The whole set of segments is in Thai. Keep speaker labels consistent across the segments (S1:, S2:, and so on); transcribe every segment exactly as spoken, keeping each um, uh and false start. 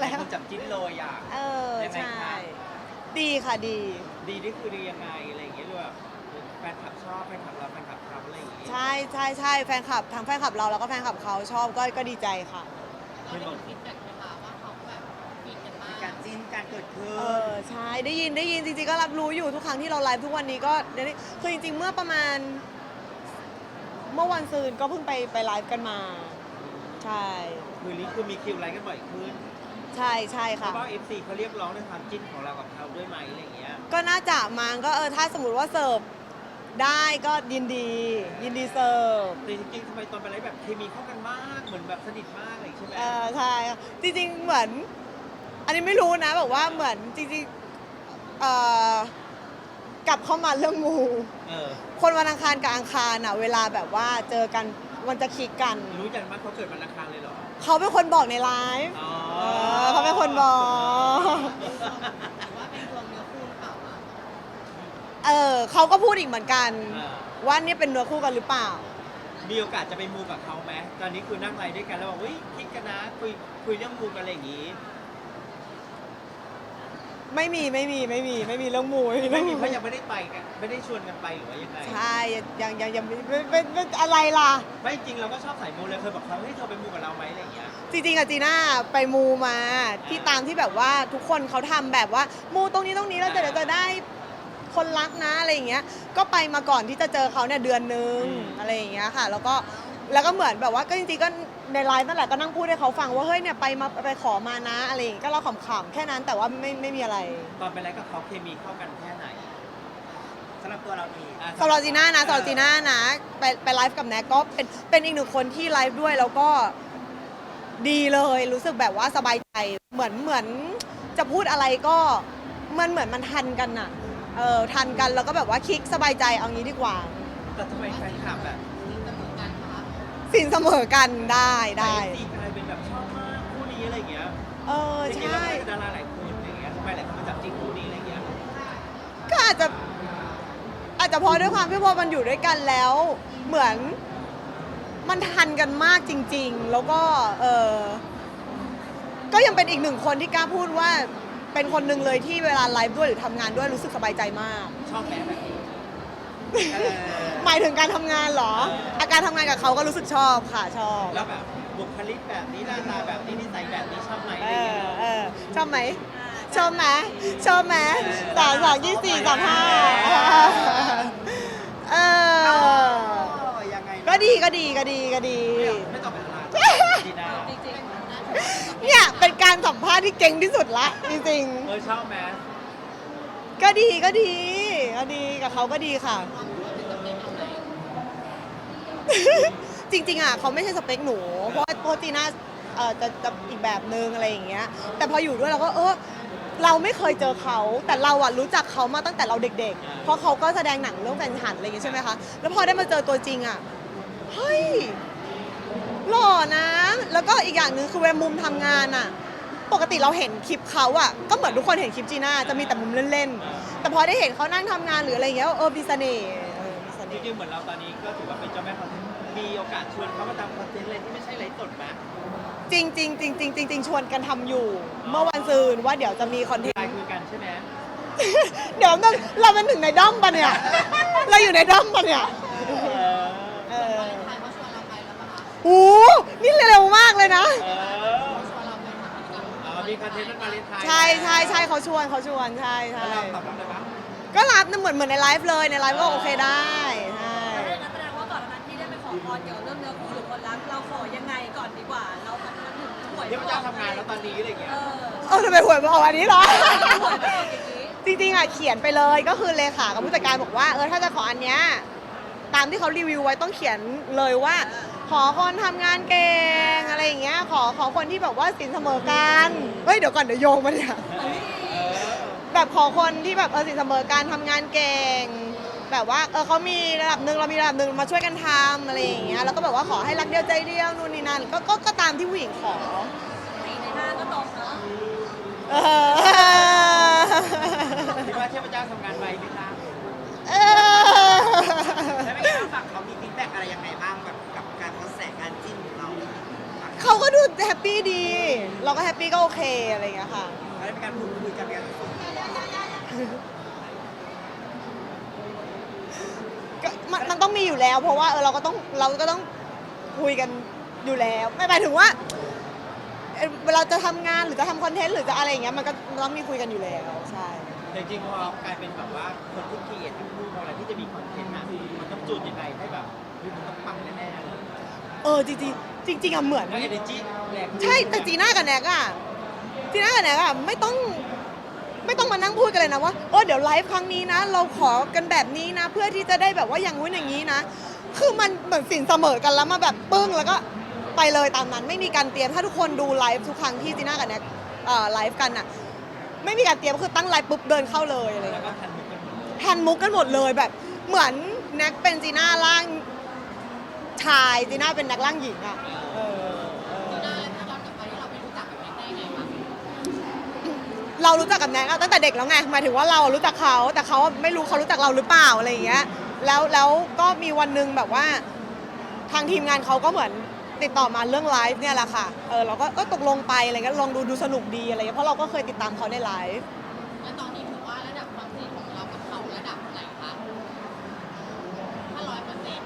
S1: คนจับจิ้นเลยอ่ะ
S2: เออ
S1: ยังไง
S2: ใช่
S1: คะ
S2: ดีค่ะดี
S1: ดีนี่คือดียังไงอะไรอย่างเงี้ยหรือแบบแฟนคลับชอบแฟนคลับเราแฟนคลับเขาอะไรอย่างเงี้ย
S2: ใช่ใช่ใช่แฟนคลับทั้งแฟนคลับเราแล้วก็แฟนคลับเขาชอบก็ก็ดีใจค่ะ
S1: เห็นบอก
S3: มีการจิ้นการเกิดขึ้
S2: เอน อใช่ได้ยินได้ยินจริงๆก็รับรู้อยู่ทุกครั้งที่เราไลฟ์ทุกวันนี้ก็ได้คือจริงๆเมื่อประมาณ เมื่อวันซืนก็เพิ่งไปไปไลฟ์กันมา ใช่
S1: คืนนี้คือมีคิวไลฟ์กันบ่อยขึ้น
S2: ใช่ใช่
S1: เพ
S2: ค่ะ
S1: ราะว่า เอฟ ซี เขาเรียกร้องในความจิ้นของเรากับเขาด้วยไหมอะไรอย่างเงี้ย
S2: ก็น่าจะมั้งก็เออถ้าสมมติว่าเสิร์ฟได้ก็ยินดี ยินดีเสิร์ฟ
S1: แต่จริงๆทำไมตอนไปไลฟ์แบบเคมีเข้ากันมากเหมือนแบบสนิทมากเลยใช่ไหม
S2: เออใช่ค่ะจริงๆเหมือน อันนี้ไม่รู้นะแบบว่าเหมือนจริงๆเอ่อกลับเข้ามาเรื่องมู
S1: เออ
S2: คนวันอังคารกับอังคารอ่ะเวลาแบบว่าเจอกันมันจะคลิกกัน
S1: รู้จักมั้ยเขาเกิดวันอังคารเลยเหรอ
S2: เขาเป็นคนบอกในไลฟ์
S1: อ๋อ
S2: เออเขาเป็นคนบอก เออเขาก็พูดอีกเหมือนกัน
S1: เออ
S2: ว่าเนี่ยเป็นเนื้อคู่กันหรือเปล่า
S1: มีโอกาสจะไปมูกับเขาไหมตอนนี้คือนั่งไลฟ์ด้วยกันแล้วบอกเฮ้ยคิดกันนะคุยคุยเรื่องมูกันอะไรอย่างงี้
S2: ไม่มีไม่มีไม่มีไม่มีเรื่องมูไม่มี
S1: ไม่
S2: เรื่อง
S1: มี
S2: มู
S1: เพราะยังไม่ได้ไปกันไม่ได้ชวนกันไปหรือว่ายังไง
S2: ใช่ยังยังยังไม่ไม่ไม่ไม่อะไรล่ะ
S1: ไม่จริงเราก็ชอบสายมูเลยเคยบอกเขาให้ยเธอไปมูกับเราไหมอะไรอย่างเงี้ย
S2: จริงๆอะจีน่าไปมูมาที่ตามที่แบบว่าทุกคนเขาทำแบบว่ามูตรงนี้ตรงนี้แล้วเดี๋ยวจะได้คนรักนะอะไรอย่างเงี้ยก็ไปมาก่อนที่จะเจอเขาเนี่ยเดือนนึง
S1: อืม
S2: อะไรอย่างเงี้ยค่ะ แล้วก็แล้วก็เหมือนแบบว่าก็จริงๆก็ในไลฟ์นั่นแหละก็นั่งพูดให้เขาฟังว่าเฮ้ยเนี่ยไปมาไปขอมานะอะไรอย่างเงี้ยก็เราขำๆแค่นั้นแต่ว่าไม่ไม่มีอะไร
S1: ตอนไปไลฟ์กับเขาเคมีเข้ากันแค่ไหน
S3: สำหรับตัวเราเอง
S1: อ่ะ
S2: สำหรับจีน่านะสำหรับจีน่านะไปไปไลฟ์กับแน็กก็เป็นเป็นอีกหนึ่งคนที่ไลฟ์ด้วยแล้วก็ดีเลยรู้สึกแบบว่าสบายใจเหมือนเหมือนจะพูดอะไรก็มันเหมือนมันทันกันน่ะเออทันกันแล้วก็แบบว่าคลิกสบายใจเอางี้ดีกว่า
S1: แต่ทำไมแฟนคลับแบบ
S2: สินเสมอกันได้ได้
S1: ซีกลายเป็นแบบชอบมากคู่นี้อะไรอย่างเงี้ย
S2: เออ
S1: จริงๆ
S2: ใช่
S1: แล้วก็ดาราหลายคนอย่างเงี้ยทำไมหลายคนมาจับจิ้นคู่นี้อะไรอย่างเงี้ย
S2: ก็อาจจะอาจจะเพอด้วยความที่พอมันอยู่ด้วยกันแล้ว เหมือนมันทันกันมากจริง ๆ แล้วก็เออก็ยังเป็นอีกหนึ่งคนที่กล้าพูดว่าเป็นคนหนึ่งเลยที่เวลาไลฟ์ด้วยหรือทำงานด้วยรู้สึกสบายใจมาก
S1: ชอบแม้แบบนี้เออ
S2: หมายถึงการทำงานเหรอ อาการทำงานกับเขาก็รู้สึกชอบค่ะชอบ
S1: แล้วแบบบุคลิกแบบนี้หน้าตาแบบนี้นิสัยแบบนี้ชอบไหมอะ
S2: เอ
S1: ไรอย่าง
S2: อ
S1: เงี้ย
S2: เออชอบไหมชอบไหมชอบไหมสามสองยี่สี่สามห้าเออ
S3: ยังไง
S2: ก็ดีก็ดีก็ดีก็ดี
S1: ไม่ตอบเป็นอะไรดีนะ
S2: เนี่ยเป็นการสัมภาษณ์ที่เก่งที่สุดละจริง
S1: เออชอบไหม
S2: ๆก็ดีก็ดีก็ดีกับเขาก็ดีค่ะ จริงๆอ่ะเขาไม่ใช่สเปคหนู เพราะว่าโปรตีน่าเอ่อจะจะอีกแบบนึงอะไรอย่างเงี้ย แต่พออยู่ด้วยเราก็เออเราไม่เคยเจอเขา แต่เราอ่ะรู้จักเขามาตั้งแต่เราเด็กๆ เพราะเขาก็แสดงหนังเรื่องแฟนฉันอะไรอย่างเงี้ยใช่ไหมคะ แล้วพอได้มาเจอตัวจริงอ่ะ เฮ้ยหล่อนะ แล้วก็อีกอย่างหนึ่งคือเวลามุมทำงานอ่ะ ปกติเราเห็นคลิปเขาอ่ะ ก็เหมือนทุกคนเห็นคลิปจีน่าจะมีแต่มุมเล่นๆ แต่พอได้เห็นเขานั่งทำงานหรืออะไรอย่างเงี้ยเออมีเสน่ห์เออมีเส
S1: จ
S2: น่ห์
S1: ริงๆเหมือนเราตอนนี้ก็ถือว่าเป็นเจ้าแม่คอนเทนต์มีโอกาสชวนเขามาทำคอนเทนต์อะไรที่ไม่ใช่ไลฟ์สดไหม
S2: จริงจริงจริงจริงจริงจริงชวนกันทำอยู่ เมื่อวันซืนว่าเดี๋ยวจะมีคอนเทน
S1: ไล
S2: ต์
S1: น์คุยกันใช่ไหม
S2: เดี๋ยวนึงเราเป็นถึงในด้อมปะเนี่ย เราอยู่ในด้อมปะเนี่ย
S1: เออ
S2: เออโอ้นี่เร็วมากเลยนะ
S1: เอออ๋อมีคอนเทนต์นั้นมาเลนไทน์
S2: ใช่ใช่ใช่เขาชวนเขาชวนใช่ใช่
S1: แล้วเราตอบรับเลยปะ
S2: ก็รับนะเหมือนเหมือนในไลฟ์เลยในไลฟ์ก็โอเคได้ใช่
S4: แต่ถ้าอย่างนั้นแสดงว่าก่อนหน้านั้นที่ได้ไปขอพรเกี่ยวกับเรื่องเนื้อคู่หรือคนรักเราขอยังไงก่อนดีกว่า เรามันมันถึงหวย
S1: ที่พระเจ้าทำงานแล้วตอนนี้อะไรอย่างเงี้ย
S4: เออ
S2: เออทำไมหวยมาออกอันนี้เหรอ
S4: หวยไม่ออกอย่างนี้
S2: จริงๆอ่ะเขียนไปเลยก็คือเลขากับผู้จัดการบอกว่าเออถ้าจะขออันเนี้ยตามที่เขารีวิวไว้ต้องเขียนเลยว่า ขอคนทำงานเก่งอะไรอย่างเงี้ยขอขอคนที่แบบว่าสินเสมอกันเฮ้ยเดี๋ยวก่อนเดี๋ยวโยงมาเนี่ยแบบขอคนที่แบบเออสินเสมอกันทำงานเก่ง แบบว่าเออเขามีระดับหนึ่งเรามีระดับหนึ่งมาช่วยกันทำอะไรอย่างเงี้ยแล้วก็แบบว่าขอให้รักเดียวใจเดียวนู่นนี่นั่นก็ก็ก็ตามที่ผู้หญิงขอ
S4: สี่ในห้าก็ตรงเนาะ
S2: เออ
S1: คิดว่าเทพเจ้าทำงานไวไหมคะ
S2: เออ
S3: แล้วเป็นไงบ้างฝั่งเขามีฟีดแบ็กอะไรยังไงบ้างแบบกับการกระแสการจิ้นของเรา
S2: เขาก็ดูแฮปปี้ดีเราก็แฮปปี้ก็โอเคอะไรอย่างเงี้ยค่ะ
S3: แล้วได้มีการพูดคุยกันกันส่วนตัว
S2: ก็มันมันต้องมีอยู่แล้ว เพราะว่าเออเราก็ต้องเราก็ต้องคุยกันอยู่แล้วไม่หมายถึงว่าเอ่อเวลาจะทำงานหรือจะทำคอนเทนต์หรือจะอะไรอย่างเงี้ยมันก็ต้องมีคุยกันอยู่แล้วใช่
S1: แต่จริงๆพอกลายเป็นแบบว่าคนที่เกลียดที่พูดอะไรที่จะมีคอนเทนต์อ่ะมันต้องจูนยังไงให้แบบเฮ้ยมันต้องปังแน่ๆเลย
S2: เออจริงจริงๆจริงๆอะเหมือน
S1: แล้ว energy แรง
S2: ใช่แต่จีน่ากับแน็กอะจีน่ากับแน็กอะไม่ต้องไม่ต้องมานั่งพูดกันเลยนะว่าเออเดี๋ยวไลฟ์ครั้งนี้นะ เราขอกันแบบนี้นะ เพื่อที่จะได้แบบว่าอย่างงู้นอย่างนี้นะ คือมันเหมือนสินเสมอกันแล้วมาแบบปึ้งแล้วก็ไปเลยตามนั้นไม่มีการเตรียมถ้าทุกคนดูไลฟ์ทุกครั้งที่จีน่ากับแน็กเอ่อไลฟ์กันอะไม่มีการเตรียมคือตั้งไลฟ์ปุ๊บเดินเข้าเลยอะไรอย่าง
S1: แล้ว
S2: เงี้ย
S1: ก็ทันมุกกันหมด
S2: ทันมุกกันหมดเลยแบบเหมือนแน็กเป็นจีน่าร่างชายจีน่าเป็นแน็กร่างหญิงอะเออเออ เรารู้จักกับแน็กตั้งแต่เด็กแล้วไงหมายถึงว่าเรารู้จักเขาแต่เขาไม่รู้เขารู้จักเราหรือเปล่าอะไรอย่างเงี้ยแล้วแล้วก็มีวันหนึงแบบว่าทางทีมงานเขาก็เหมือนติดต่อมาเรื่องไลฟ์เนี่ยแหละค่ะเออเราก็เออตกลงไปอะไรเงี้ยลองดูดูสนุกดีอะไรเงี้ยเพราะเราก็เคยติดตามเขาในไลฟ์
S5: แล้วตอนนี้ถือว่าระดับความสนิทของเรากับเขาระดับไหนคะถ้าร้อยเปอร์เซ็นต์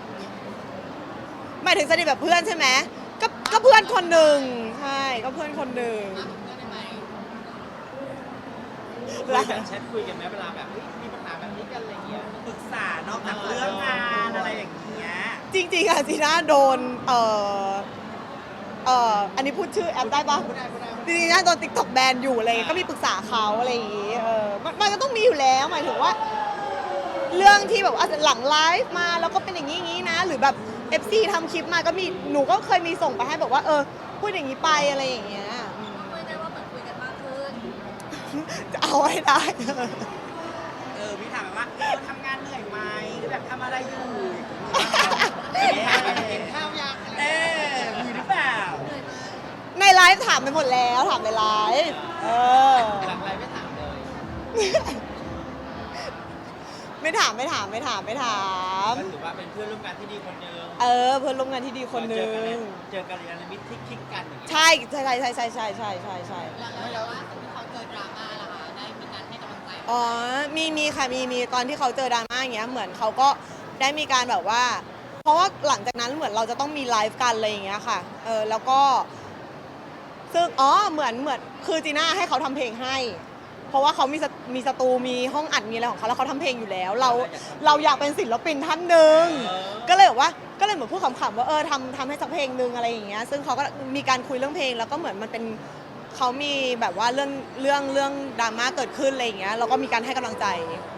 S2: หมายถึงสนิทแบบเพื่อนใช่ไหมก็ก็เพื่อนคนหนึ่งใช่ก็เพื่อนคนหนึ่ง
S5: มากกว่าเพื่อนได้ไหม
S1: คุยกันแชทคุยกันไหมเวลาแบบเฮ้ยมีปัญหาแบบนี้กันอะไรเงี้ย
S3: ปรึกษานอกจากเรื่องงานอะไรอย่างเงี้ย
S2: จริงๆอะจีน่าโดนเอ่อเอ่ออันนี้พูดชื่อแอปได้ปะ
S1: ไม่ได้ไม่ได้
S2: จริงๆนะโดนติ๊กต็อกแบนอยู่อะไรอย่างเงี้ยก็มีปรึกษาเขาอะไรอย่างงี้เออมันมันก็ต้องมีอยู่แล้วหมายถึงว่า เรื่องที่แบบว่าหลังไลฟ์มาแล้วก็เป็นอย่างนี้อย่างนี้นะ หรือแบบ เอฟ ซี ทำคลิปมาก็มีหนูก็เคยมีส่งไปให้แบบว่าเออพูดอย่างนี้ไปอะไรอย่างเงี้ยอืม
S4: คุยได้ว่าเหมือนคุยกันมากขึ้น
S2: จะเอาให้ได้
S3: เออพี่ถามแบบว่าเออทำงานเหนื่อยไหมหรือแบบทำอะไรอยู่
S1: กินข้าวยัง
S3: เออมีหรือเปล่า
S2: ในไลฟ์ถามไปหมดแล้วถามในไลฟ์เออ
S1: หลังไลฟ์ไม่ถามเลย
S2: ไม่ถามไม่ถามไม่ถามไม่ถาม
S1: ก็ถือว่าเป็นเพื่อนร่วมงานที่ดีคนหนึง
S2: เออเพื่อนร่วมงานที่ดีคนหนึ่
S1: เจอกั
S2: ง
S1: เจอกันในมิตรที่คลิกกันอย่างเงี้ย
S2: ใช่ใช่ใช่ใช่ใช่ใช่ใช่ใช่ใช่
S5: แล้วแล้วแล้วว่าที่เขาเจอดราม่าล่ะคะได้มีการให้กำลังใจเขา
S2: อ๋อมีมีค่ะมีมีตอนที่เขาเจอดราม่าอย่างเงี้ยเหมือนเขาก็ได้มีการแบบว่า เพราะว่าหลังจากนั้นเหมือนเราจะต้องมีไลฟ์กันอะไรอย่างเงี้ยค่ะเออแล้วก็ซึ่งอ๋อเหมือนเหมือนคือจีน่าให้เขาทำเพลงให้ เพราะว่าเขามีสมีสตูมีห้องอัดมีอะไรของเขาแล้วเขาทำเพลงอยู่แล้ว เราเราอยากเป็นศิลปินท่านหนึ่งก็เลยแบบว่าก็เลยเหมือนพูดขำๆว่าเออทำทำให้สักเพลงหนึ่งอะไรอย่างเงี้ยซึ่งเขาก็มีการคุยเรื่องเพลงแล้วก็เหมือนมันเป็นเขามีแบบว่าเรื่องเรื่องเรื่องดราม่าเกิดขึ้นอะไรอย่างเงี้ยเราก็มีการให้กำลังใจ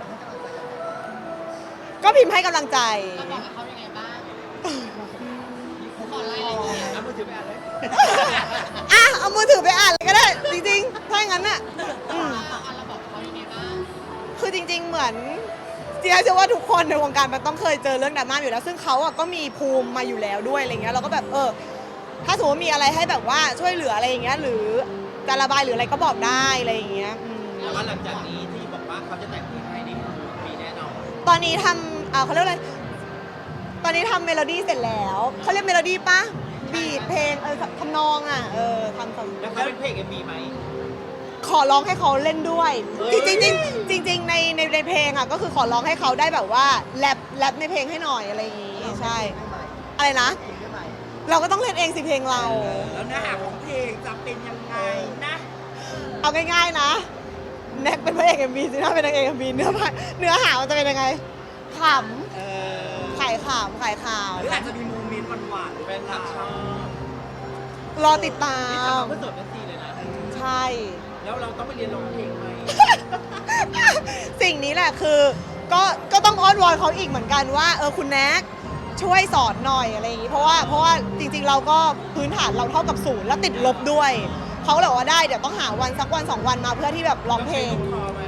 S2: ก็พิมพ์ให้กำลังใจ
S5: เราบอกกับเขายังไงบ้างขอรายละเอียด
S1: เอามือถือไปอ่านเลย
S2: อ่ะเอามือถือไปอ่านเลยก็ได้ จริงๆ ถ้าอย่างนั้นน่ะอืม
S5: อ่ะเราบอกกับเขายังไงบ้าง
S2: คือจริง ๆ เหมือนจีน่าเชื่อว่าทุกคนในวงการมันต้องเคยเจอเรื่องดราม่าอยู่แล้ว ซึ่งเขาอ่ะก็มีภูมิมาอยู่แล้วด้วยอะไรเงี้ยเราก็แบบเออ ถ้าสมมติว่ามีอะไรให้แบบว่าช่วยเหลืออะไรอย่างเงี้ยหรือจะระบายหรืออะไรก็บอกได้อะไรอย่างเงี้ยอืม
S1: แต่ว่าหลังจากนี้ที่บอกว่าเขาจะแต่งเพลงให้นี่คือมีแน่นอน
S2: ตอนนี้ทำอ่าเขาเรียกอะไรตอนนี้ทำเมโลดี้เสร็จแล้วเขาเรียกเมโลดี้ปะบีทเพลงเออทำนองอ่ะเออทำทำ
S1: แล้วเขาเป็นเพลงเอ็มบีไหม
S2: ขอร้องให้เขาเล่นด้วย
S1: เฮ้
S2: จ
S1: ย
S2: ริงจริงๆจริง ๆ ในในในเพลงอ่ะก็คือขอร้องให้เขาได้แบบว่าแรปแรปในเพลงให้หน่อยอะไรอย่างงี้ใช่ อะไรนะ เราก็ต้องเล่นเองสิเพลงเรา
S3: แล้วเนื้อหาของเพลงจะเป็นยังไงนะ
S2: เอาง่ายๆนะแน็กเป็นพระเอกเอ็มบีซีน่าเป็นนางเอกเอ็มบีเนื้อผ้าเนื้อหามันจะเป็นยังไงข
S3: เออ
S2: ำขายขำขายข่าว
S3: หรืออาจจะมีโมเมนต์หวานๆหรือ
S1: เป็
S3: เป็น น
S1: ทั
S3: ทั
S1: ก
S3: ก
S1: ช
S3: ช
S1: อ
S3: อ
S1: บบ
S2: รอติดตา
S1: นี่ทำ
S2: ม
S1: มาเพื่อสดนาทีเลยนะ
S2: ใช่
S1: แล้วเราต้องไปเรียนร้องเพลงไหม
S2: สิ่งนี้แหละคือก็ก็ต้องอ้อนวอนเขาอีกเหมือนกันว่าเออคุณแน็กช่วยสอนหน่อยอะไรอย่างนี้เพราะว่าเพราะว่าจริงๆเราก็พื้นฐานเราเท่ากับศูนย์แล้วติดลบด้วยเขาก็เลยบอกว่าได้เดี๋ยวต้องหาวันสักวันสองวันมาเพื่อที่แบบร้องเพลง
S1: ต้ใช้ลูกคอไหม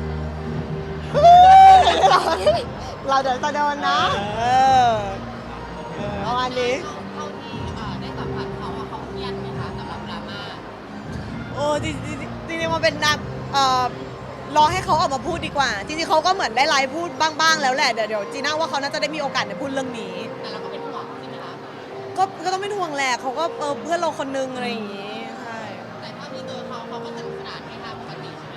S2: เราเราเดี๋ยวจะโดนนะเออประมาณนี้
S5: เท่าที่เอ่อได้สัมผัสเขาอะเขาเครียดไหมคะสำหรับดราม่า
S2: โอ้จริงๆจริงๆมันเป็นนะเอ่อรอให้เขาออกมาพูดดีกว่า จริงๆเขาก็เหมือนได้ไลฟ์พูดบ้างๆแล้วแหละเดี๋ยวเดี๋ยวจีน่าว่าเขาน่าจะได้มีโอกาสได้พูดเรื่องนี้
S5: แต่เราก็เป็นห่วงใช่ไหมคะ
S2: ก็ก็ต้องเป็นห่วงแหละเขาก็เออเพื่อนเราคนนึงอะไรอย่างงี้ใช่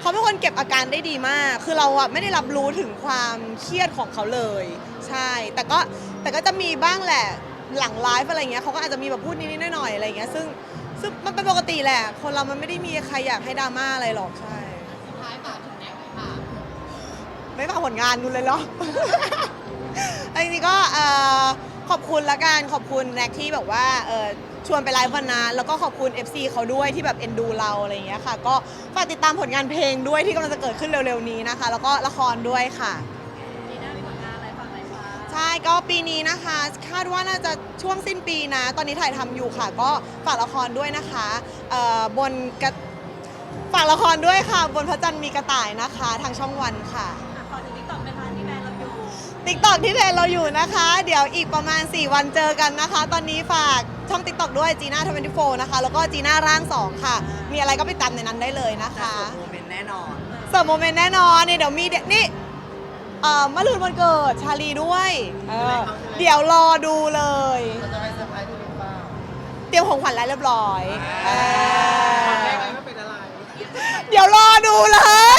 S2: เขาเป็นคนเก็บอาการได้ดีมาก คือเราอะไม่ได้รับรู้ถึงความเครียดของเขาเลย ใช่ แต่ก็แต่ก็จะมีบ้างแหละหลังไลฟ์อะไรเงี้ยเขาก็อาจจะมีแบบพูดนิดๆหน่อยๆอะไรเงี้ยซึ่งซึ่งมันเป็นปกติแหละ คนเรามันไม่ได้มีใครอยากให้ดราม่าอะไรหรอกใช่
S5: สุดท้ายฝากถึงแน็กเลยค่ะ
S2: ไม่ฝากผลงานกูเลยเหรอ อันนี้ก็เอ่อขอบคุณละกันขอบคุณแน็กที่แบบว่าเอ่อชวนไปไลฟ์วันนั้นแล้วก็ขอบคุณ เอฟ ซี เขาด้วยที่แบบเอ็นดูเราอะไรอย่างเงี้ยค่ะ ก็ฝากติดตามผลงานเพลงด้วยที่กำลังจะเกิดขึ้นเร็วๆนี้นะคะ แล้วก็ละครด้วยค่ะ
S4: ปีหน้ามีผลงานอะไรฝากไหมคะ
S2: ใช่ก็ปีนี้นะคะ คาดว่าน่าจะช่วงสิ้นปีนะ ตอนนี้ถ่ายทำอยู่ค่ะ ก็ฝากละครด้วยนะคะเอ่อบนกระฝากละครด้วยค่ะ บนพระจันทร์มีกระต่ายนะคะ ทางช่องวันค่ะ
S4: อ่ะขอถึงติ๊กต็อกเป็นร้านที่แบรนด์เราอยู่
S2: ติ๊กต็อกที่เทรนเราอยู่นะคะ เดี๋ยวอีกประมาณ สี่ วันเจอกันนะคะ ตอนนี้ฝากช่องติ๊กต็อกด้วยจีน่าทเวนตี้โฟร์นะคะ แล้วก็จีน่าร่างสองค่ะ มีอะไรก็ไปตามในนั้นได้เลยนะคะ
S3: โมเมนต์แน่นอน
S2: เสิร์ฟโมเมนต์แน่นอนนี่เดี๋ยวมีเดี๋ยวนี่เอ่อมะรืนวันเกิดชาลีด้วยเออเดี๋ยวรอดูเลย
S1: มันจะไปเซอร์ไพรส์ที่หรือเปล่า
S2: เตรียมของขวัญแล้วเรียบร้อยเอ
S1: ตอนแร
S2: อก
S1: เลยว่าเป็นอะไร
S2: เดี๋ยวรอดูเลย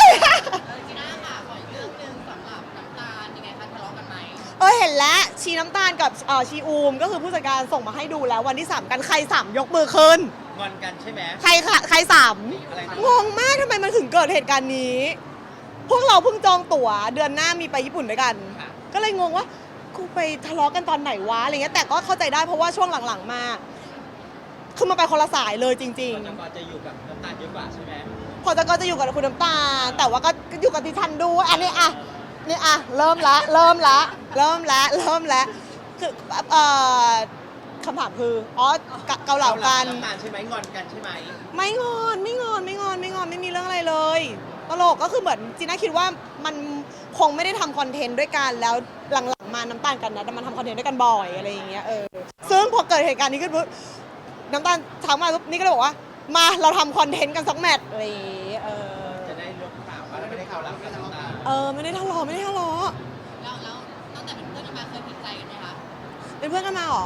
S5: จีน่าค่ะขออีกเรื่องหนึ่งสำหรับน้ำตาลยังไงคะทะเลาะกันไหม
S2: เออเห็นแล้วชีน้ำตาลกับเอ่อชีอูมก็คือผู้จัดการส่งมาให้ดูแล้ววันที่สามกันใครสามยกมือขึ้น
S1: งอนกันใช่ไหม
S2: ใครค่ะใครสาม
S1: อะไรนะ
S2: งงมากทำไมมันถึงเกิดเหตุการณ์นี้ พวกเราเพิ่งจองตั๋วเดือนหน้ามีไปญี่ปุ่นด้วยกัน
S1: ค่ะ
S2: ก็เลยงงว่ากูไปทะเลาะกันตอนไหนวะอะไรเงี้ยแต่ก็เข้าใจได้เพราะว่าช่วงหลังๆมาคือมันไปคนละสายเลยจริง
S1: ก่อนจะก่อนจะอยู่กับน้ำตาลเยอะกว่าใช่ไหม
S2: ๆ พอจะก็จะอยู่กับคุณน้ำตาลแต่ว่าก็อยู่กับดิฉันดูอันนี้อ่ะนี่อ่ะเริ่มละเริ่มละเริ่มละเริ่มละคือเอ่อคำถามคืออ๋อเกาเหลากัน
S1: น้ำตาลใช่ไหมงอนกันใช่ไหม
S2: ไม่งอนไม่งอนไม่งอนไม่งอนไม่มีเรื่องอะไรเลยตลกก็คือเหมือนจีน่าคิดว่ามันคงไม่ได้ทำคอนเทนต์ด้วยกันแล้วหลังๆมาน้ำตาลกันนะแต่มันทำคอนเทนต์ด้วยกันบ่อยอะไรอย่างเงี้ยเออซึ่งพอเกิดเหตุการณ์นี้ขึ้นปุ๊บน้ำตาลทักมาปุ๊บนี่ก็เลยบอกว่ามาเราทำคอนเทนต์กันสักแมตช์อะไรอย่างเงี้ยเออ
S1: จะได้รู้ข่าวว่าเราไม่ได้ข่าวแล้วกับน้ำตาล
S2: เออไม่ได้ทะเลาะไม่ได้ทะเลาะ
S5: แล้วแล้วตั้งแต่เป็นเพื่อนกันมาเคยผิดใจกันไหมคะ
S2: เป็นเพื่อนกันมาเหรอ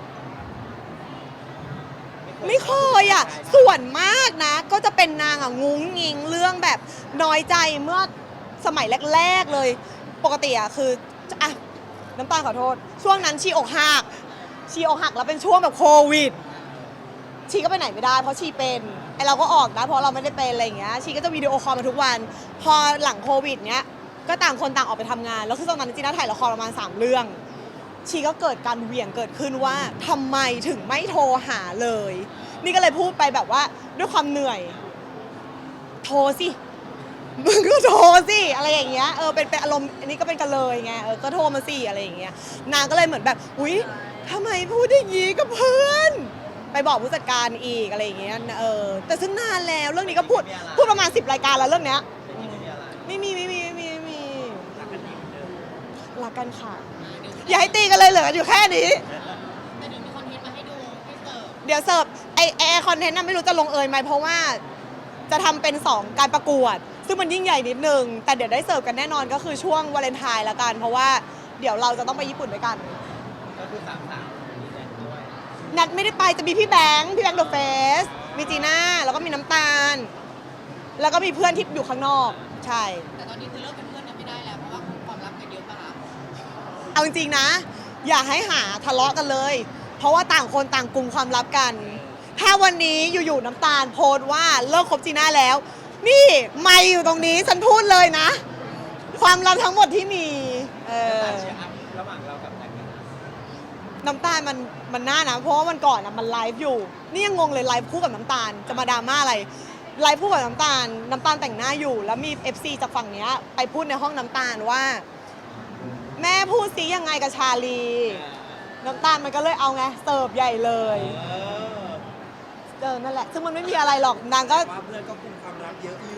S2: ไม่เคยอ่ะส่วนมากนะ ก็จะเป็นนางอ่ะงุ้งงิงเรื่องแบบน้อยใจเมื่อสมัยแรกๆเลย ปกติอ่ะคืออ่ะน้ำตาลขอโทษ ช่วงนั้นชีอกหักชีอกหักแล้วเป็นช่วงแบบโควิด ชีก็ไปไหนไม่ได้เพราะชีเป็นไอเราก็ออกนะเพราะเราไม่ได้เป็นอะไรอย่างเงี้ยชีก็จะวิดีโอคอลมาทุกวัน พอหลังโควิดเนี้ยก็ต่างคนต่างออกไปทำงาน แล้วคือตอนนั้นจีน่าถ่ายละครประมาณสามเรื่อง ชีก็เกิดการเหวี่ยงเกิดขึ้นว่าทำไมถึงไม่โทรหาเลย นี่ก็เลยพูดไปแบบว่าด้วยความเหนื่อย โทรสิมึงก็โทรสิอะไรอย่างเงี้ยเออเป็นเป็นอารมณ์อันนี้ก็เป็นกันเลยไงเออก็โทรมาสิอะไรอย่างเงี้ยนางก็เลยเหมือนแบบอุ๊ยทำไมพูดอย่างงี้กับเพื่อน ไปบอกผู้จัดการอีกอะไรอย่างเงี้ยเออแต่ซึ่งนานแล้วเรื่องนี้ก็พูดพูดประมาณสิบรายการแล้วเรื่องเนี้ย
S1: ไม่มีไม่มีอะไร
S2: ไม่มีไม่มีไม่มีไม่มี
S1: รักกันดีเหมือนเดิม
S2: รักกันค่ะ อย่าให้ตีกันเลยเหลือกันอยู่แค่นี้
S5: แต่เดี๋ยวมีคอนเทนต์มาให้ดูให้เสิร์ฟ
S2: เดี๋ยวเสิร์ฟไอแอร์คอนเทนต์น่ะไม่รู้จะลงเอยไหมเพราะว่าจะทำเป็น สอง การประกวด ซึ่งมันยิ่งใหญ่นิดนึง แต่เดี๋ยวได้เสิร์ฟกันแน่นอนก็คือช่วงวาเลนไทน์ละกัน เพราะว่าเดี๋ยวเราจะต้องไปญี่ปุ่นด้วยกัน
S1: ก็คือสามสามมีแดนด้วย
S2: นัดไม่ได้ไปจะมีพี่แบงค์พี่แบงค์เดอะเฟสมีจีน่าแล้วก็มีน้ำตาล แล้วก็มีเพื่อนที่อยู่ข้างนอก ใช่
S5: แต่ตอนนี้คือเลิกเป็นเพื่อนกันไม่ได้แล้วเพราะว่าความรักกันเยอะปะคะ
S2: เอาจริงๆนะ อย่าให้หาทะเลาะกันเลย เพราะว่าต่างคนต่างกลุ่มความลับกัน ถ้าวันนี้อยู่ๆน้ำตาลโพสต์ว่าเลิกคบจีน่าแล้ว นี่ไม่อยู่ตรงนี้ฉันพูดเลยนะ ความลับทั้งหมดที่มีเออ
S1: น้ำตาลเชียร์อัพระหว่างเรากับแน็กนะ
S2: น้ำตาลมันมันน่านะ เพราะว่าวันก่อนอะมันไลฟ์อยู่ นี่ยังงงเลยไลฟ์คู่กับน้ำตาลจะมาดราม่าอะไรไลฟ์คู่กับน้ำตาล น้ำตาลแต่งหน้าอยู่ แล้วมี เอฟ ซี จากฝั่งเนี้ยไปพูดในห้องน้ำตาลว่า แม่พูดซิยังไงกับชาลี น้ำตาลมันก็เลยเอาไงเสิร์ฟใหญ่เลย
S1: เออ
S2: เออนั่นแหละ ซึ่งมันไม่มีอะไรหรอกนางก็
S3: ว่าเพื่อนก็คุมความรักเยอะอยู่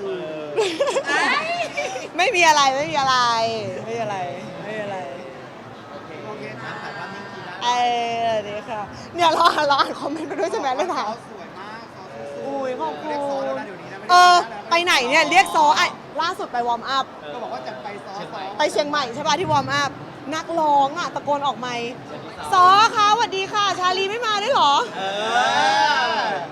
S2: ไม่มีอะไรไม่มีอะไร ไม่มีอะไรไม่มีอะไร
S1: โอเคโอเคถามถ่ายภาพนิ่งทีนะ
S2: เออดีค่ะเนี่ยเราเราอ่านคอมเมนต์ไปด้วยใช่ไหมเลยถาม
S3: สวยมากซอสสวย
S2: อุ้ยขอบคุณ
S3: เรียกซอสแล้วนะเดี๋ยวนี้นะม่ด้
S2: เออ
S3: ซสแล้ว
S2: ไปไหนเนี่ยเรียกซอไอ้ล่าสุดไปวอร์มอัพ
S3: ก็บอกว่าจะไปซอสซอส
S2: ไปเชียงใหม่ใช่ป่ะที่วอร์มอัพนักร้องอ่ะตะโกนออกไมค์ซอคะสวัสดีค่ะ ชาลีไม่มาด้วยเหรอ
S1: เออ